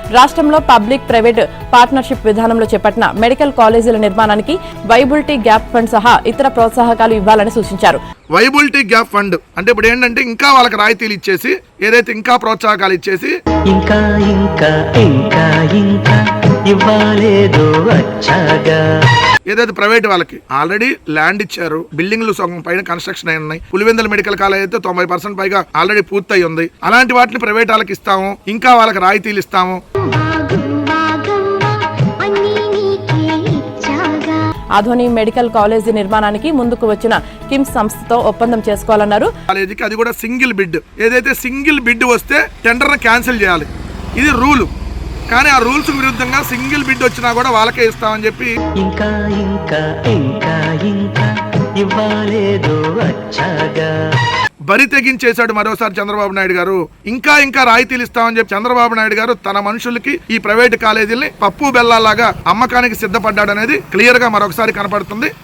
రాష్ట్రంలో public private partnership విధానంలో చేపట్టిన మెడికల్ కాలేజీల నిర్మాణానికి వైబిలిటీ గ్యాప్ ఫండ్ సహా ఇతర ప్రోత్సాహకాలు ఇవ్వాలని సూచించారు. వైబిలిటీ గ్యాప్ ఫండ్ అంటే ఇప్పుడు ఏంటంటే ఇంకా వాళ్ళకి రాయితీలు ఇచ్చేసి ఏదైతే ఇంకా ప్రోత్సాహకాలు ఇచ్చేసి ఇంకా ఇంకా ఇంకా ఇంకా ఇవ్వాలేదో వచ్చాగా ఏదైతే ప్రైవేట్ వాళ్ళకి ఆల్రెడీ ల్యాండ్ ఇచ్చారు, బిల్డింగ్లు సగం పైన కన్స్ట్రక్షన్ అయి ఉన్నాయి. పులివెందుల మెడికల్ కాలేజ్ అయితే 90% పైగా ఆల్రెడీ పూర్తయి ఉంది. అలాంటి వాటిని ప్రైవేట్ వాళ్ళకి ఇస్తాము, ఇంకా వాళ్ళకి రాయితీలు ఇస్తాము. ఆధోని మెడికల్ కాలేజీ నిర్మాణానికి ముందుకు వచ్చిన కిమ్స్ సంస్థతో ఒప్పందం చేసుకోవాలన్నారు. కాలేజీకి అది కూడా సింగిల్ బిడ్, ఏదైతే సింగిల్ బిడ్ వస్తే టెండర్ను క్యాన్సిల్ చేయాలి, ఇది రూలు. కానీ ఆ రూల్స్ విరుద్ధంగా సింగిల్ బిడ్ వచ్చినా కూడా వాళ్ళకే ఇస్తామని చెప్పి ఇంకా ఇంకా ఇంకా ఇంకా ఇవ్వాలేదో వచ్చాగా బరి తెగించేశాడు మరోసారి చంద్రబాబు నాయుడు గారు. ఇంకా ఇంకా రాయితీలు ఇస్తామని చెప్పి చంద్రబాబు నాయుడు గారు తన మనుషులకి ఈ ప్రైవేట్ కాలేజీల్ని పప్పు బెల్లాలాగా అమ్మకానికి సిద్ధపడ్డాడనేది క్లియర్ గా మరొకసారి కనపడుతుంది.